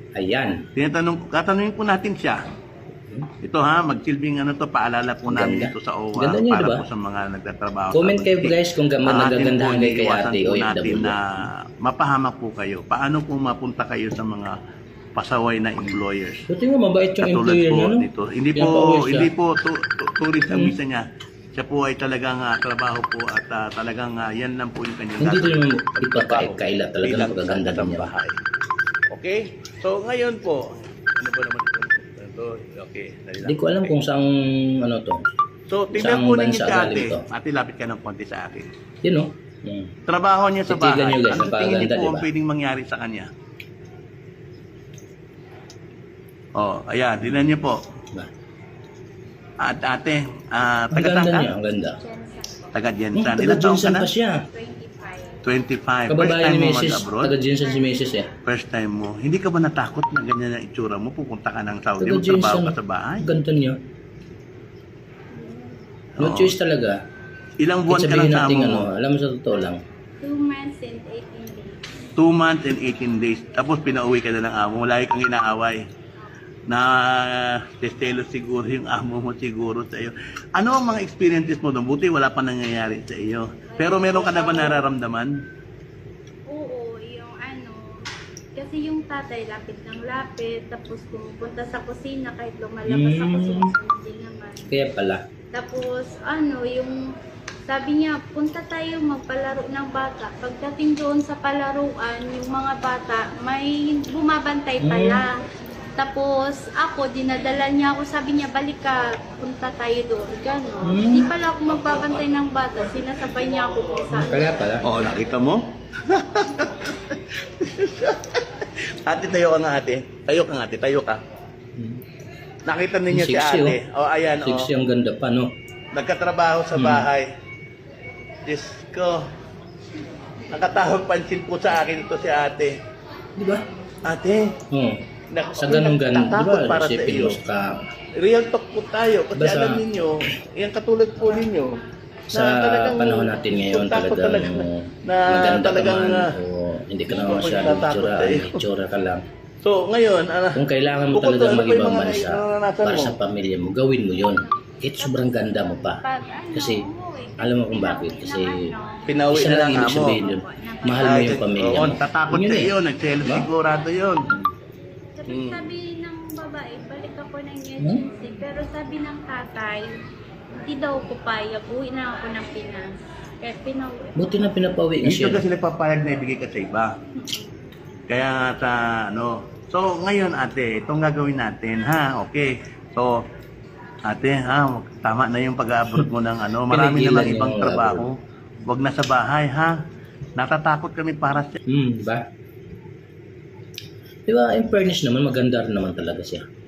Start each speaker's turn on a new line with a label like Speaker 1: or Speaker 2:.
Speaker 1: Ayan.
Speaker 2: Tatanungin po natin siya. Ito ha, magsilbing ano to, paalala po namin
Speaker 1: Ganda.
Speaker 2: ito sa OWA
Speaker 1: Ganda niya,
Speaker 2: para
Speaker 1: diba?
Speaker 2: po sa mga nagtatrabaho.
Speaker 1: Comment
Speaker 2: sa
Speaker 1: kayo
Speaker 2: Abante.
Speaker 1: guys kung nagagandahan kayo kay
Speaker 2: Iwasan
Speaker 1: Ate
Speaker 2: po
Speaker 1: OFW.
Speaker 2: natin na mapahamak po kayo. Paano po mapunta kayo sa mga pasaway na employers?
Speaker 1: Buti nga mabait yung
Speaker 2: Katulad
Speaker 1: employer
Speaker 2: po
Speaker 1: niya, no?
Speaker 2: nito. Hindi
Speaker 1: Yan pa uwi siya.
Speaker 2: tourist ang visa niya. Siya po ay talagang trabaho po at talagang yan lang po yung kanyang
Speaker 1: Hindi din naman
Speaker 2: gagawin.
Speaker 1: ipagkaila talagang
Speaker 2: Bilang
Speaker 1: pagaganda
Speaker 2: isang
Speaker 1: niya.
Speaker 2: bahay. Okay? So ngayon po, ano ba naman ito? Okay, dali lang.
Speaker 1: Hindi ko alam kung saan ano to.
Speaker 2: So, tingnan
Speaker 1: Saang
Speaker 2: po ninyo
Speaker 1: bansa
Speaker 2: si ate.
Speaker 1: galing to?
Speaker 2: Ate, lapit ka ng konti sa akin.
Speaker 1: Yun, no? Hmm.
Speaker 2: Trabaho niya sa
Speaker 1: Titigan
Speaker 2: bahay.
Speaker 1: niyo, guys,
Speaker 2: Ano tingin niyo
Speaker 1: napakaganda,
Speaker 2: po ang
Speaker 1: diba?
Speaker 2: pwedeng mangyari sa kanya? Oh, ayan, dinan niyo po.
Speaker 1: Ba?
Speaker 2: At ate,
Speaker 1: Ang
Speaker 2: taga
Speaker 1: ganda
Speaker 2: saan ka?
Speaker 1: niya, ang ganda.
Speaker 2: Taga
Speaker 1: Hmm,
Speaker 2: Jensan.
Speaker 1: taga
Speaker 2: Ilang taon ka
Speaker 1: Jensen
Speaker 2: na?
Speaker 1: pa siya.
Speaker 2: 25. First
Speaker 1: Kababae
Speaker 2: time
Speaker 1: ni
Speaker 2: mo
Speaker 1: Mrs.
Speaker 2: mag-abroad?
Speaker 1: Taga Jensen si Mrs. eh.
Speaker 2: First time mo. Hindi ka ba natakot na ganyan ang itsura mo? Pupunta ka ng Saudi,
Speaker 1: Taga
Speaker 2: magtrabaho
Speaker 1: Jensen.
Speaker 2: ka sa bahay?
Speaker 1: Ang ganda niya. No
Speaker 2: Oo.
Speaker 1: choice talaga.
Speaker 2: Ilang buwan
Speaker 1: Kahit
Speaker 2: ka lang
Speaker 1: sabihin
Speaker 2: sa
Speaker 1: natin
Speaker 2: amo
Speaker 1: ano,
Speaker 2: mo?
Speaker 1: alam mo sa totoo lang.
Speaker 3: 2 months and 18 days.
Speaker 2: 2 months and 18 days. Tapos pinauwi ka na ng amo mo. Lagi kang inaaway. Na testelo siguro yung amo mo siguro sa iyo. Ano ang mga experiences mo doon? Buti wala pa nangyayari sa iyo. Pero meron ka na ba nararamdaman?
Speaker 3: Oo, yung ano, kasi yung tatay lapit ng lapit, tapos pumupunta sa kusina kahit lumalabas ako susunod din naman.
Speaker 1: Kaya pala.
Speaker 3: Tapos ano, yung sabi niya, punta tayo magpalaro ng bata. Pagdating doon sa palaruan, yung mga bata, may bumabantay pala. Tapos ako, dinadala niya ako, sabi niya, balik ka, punta tayo doon. Ganon. Hindi pala ako magbabantay ng bata, sinasabay niya ako kung saan.
Speaker 1: Kaya pala.
Speaker 2: Oo, nakita mo? Ate, tayo ka nga ate. Tayo ka nga ate, tayo ka. Nakita ninyo si
Speaker 1: Sexy,
Speaker 2: ate. O, ayan, o.
Speaker 1: Sexy ang ganda pa, no?
Speaker 2: Nagkatrabaho sa bahay. Diyos ko. Nakatahog pansin po sa akin ito si ate.
Speaker 1: Di ba?
Speaker 2: Ate,
Speaker 1: Oo.
Speaker 2: nak-
Speaker 1: Sa ganun ganun, di
Speaker 2: natatakot
Speaker 1: ba?
Speaker 2: para sa
Speaker 1: Isipin
Speaker 2: iyo.
Speaker 1: mo sa
Speaker 2: Real talk po tayo. Kasi
Speaker 1: Basta-
Speaker 2: alam ninyo, yan katulad po ninyo.
Speaker 1: sa panahon natin ngayon
Speaker 2: takot
Speaker 1: talagang
Speaker 2: na
Speaker 1: maganda
Speaker 2: talagang,
Speaker 1: ka man o hindi ka naman masyadong
Speaker 2: natatakot tayo.
Speaker 1: itsura ka lang.
Speaker 2: So, ngayon,
Speaker 1: Kung kailangan mo
Speaker 2: bukod
Speaker 1: talagang
Speaker 2: doon, ano pa yung
Speaker 1: mag-ibang
Speaker 2: mga
Speaker 1: bansa
Speaker 2: naranasan
Speaker 1: para
Speaker 2: mo?
Speaker 1: sa pamilya mo, gawin mo yon. Kahit sobrang ganda mo pa.
Speaker 3: Pag ano,
Speaker 1: Kasi,
Speaker 3: umuwi,
Speaker 1: alam mo kung bakit. Kasi,
Speaker 2: pinauwi
Speaker 1: isa
Speaker 2: na
Speaker 1: lang
Speaker 2: lang
Speaker 1: ibig
Speaker 2: amo.
Speaker 1: sabihin yun. Mahal mo yung pamilya
Speaker 2: Oo,
Speaker 1: mo.
Speaker 2: tatakot
Speaker 1: Yun
Speaker 2: sa
Speaker 1: eh.
Speaker 2: iyo, nagselos
Speaker 1: Diba?
Speaker 2: sigurado yun.
Speaker 3: Sabi ng babae, balik ako ng agency. Pero sabi ng tatay, hindi daw ko payag. Uwi na ako ng Pinas. Kaya pinauwi.
Speaker 1: Buti na pinapauwi kasi.
Speaker 2: Dito kasi nagpapayag na ibigay ka sa iba. Kaya sa ano, so ngayon ate, itong gagawin natin ha, okay. So ate ha, tama na yung pag-abroad mo ng ano, marami
Speaker 1: Pinigilan
Speaker 2: namang
Speaker 1: niya
Speaker 2: ibang
Speaker 1: yung
Speaker 2: trabaho. Huwag na sa bahay ha. Natatakot kami para sa
Speaker 1: Diba? Diba, in fairness naman, maganda rin naman talaga siya.